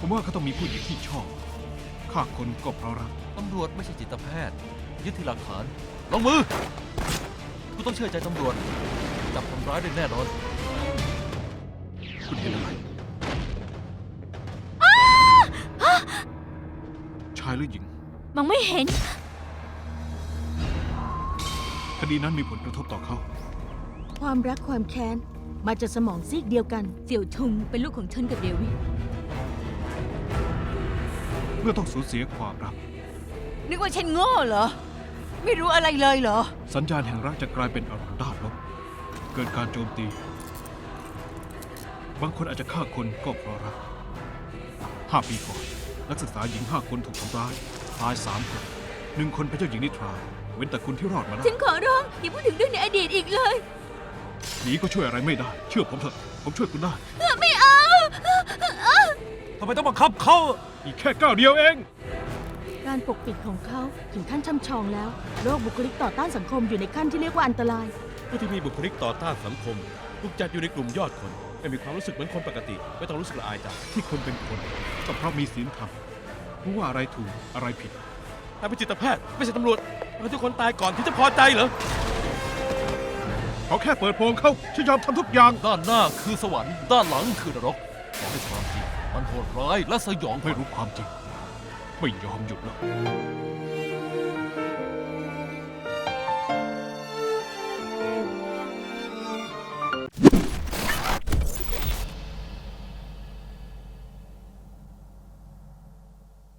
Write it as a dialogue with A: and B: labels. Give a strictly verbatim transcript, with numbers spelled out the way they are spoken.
A: ผมว่าเขาต้องมีผู้หญิงที่ชอบฆ่าคนก็เพราะรัก
B: ตำรวจไม่ใช่จิตแพทย์ยึดที่หลักฐานลงมือคุณต้องเชื่อใจตำรวจจับคนร้ายได้แน่นอน
A: คุณเห็นอะไรชายหรือหญิง
C: มองไม่เห็น
A: คดีนั้นมีผลกระทบต่อเขา
D: ความรักความแค้นมาจากสมองซีกเดียวกัน
C: เสี่ยวทุงเป็นลูกของฉันกับเดวิด
A: เมื่อต้องสูญเสียความรัก
C: นึกว่าฉันโง่เหรอ ไม่รู้อะไรเลยเหรอ
A: สัญญาณแห่งรักจะกลายเป็นอารมณ์ด้านลบเกิดการโจมตี บางคนอาจจะฆ่าคนก็เพราะรักห้าปีก่อนนักศึกษาหญิงห้าคนถูกทำร้ายตายสามคนหนึ่งคนเป็นเจ้าหญิงนิทราเว้นแต่คุณที่รอดมาได้
C: ฉันขอร้องอย่าพูดถึงเรื่องในอดีตอีกเลย
A: หนีก็ช่วยอะไรไม่ได้ เชื่อผมเถอะผมช่วยคุณได้
C: ไม่เอา
B: ทำไมต้องบังคับเขา
A: อีกแค่ก้าวเดียวเอง
D: การปกปิดของเขาถึงขั้นช่ำชองแล้วโรคบุคลิกต่อต้านสังคมอยู่ในขั้นที่เรียกว่าอันตราย
E: ผู้ที่มีบุคลิกต่อต้านสังคมถูกจัดอยู่ในกลุ่มยอดคนไม่มีความรู้สึกเหมือนคนปกติ ไม่ต้องรู้สึกละอายใจ
A: ที่คนเป็นคนก็เพราะมีศีลธรรมรู้ว่าอะไรถูกอะไรผิด
E: ถ้าเป็นจิตแพทย์ไม่ใช่ตำรวจเราทุกคนตายก่อนที่จะพอใจเหรอ
A: เขาแค่เปิดโปงเขาฉันยอมทำทุกอย่าง
B: ด้านหน้าคือสวรรค์ด้านหลังคือนรกขอให้ความจริงมันโหดร้ายและสยองขวั
A: ไม่
B: ญ
A: รู้ความจริง ไม่ยอมหยุดแล้ว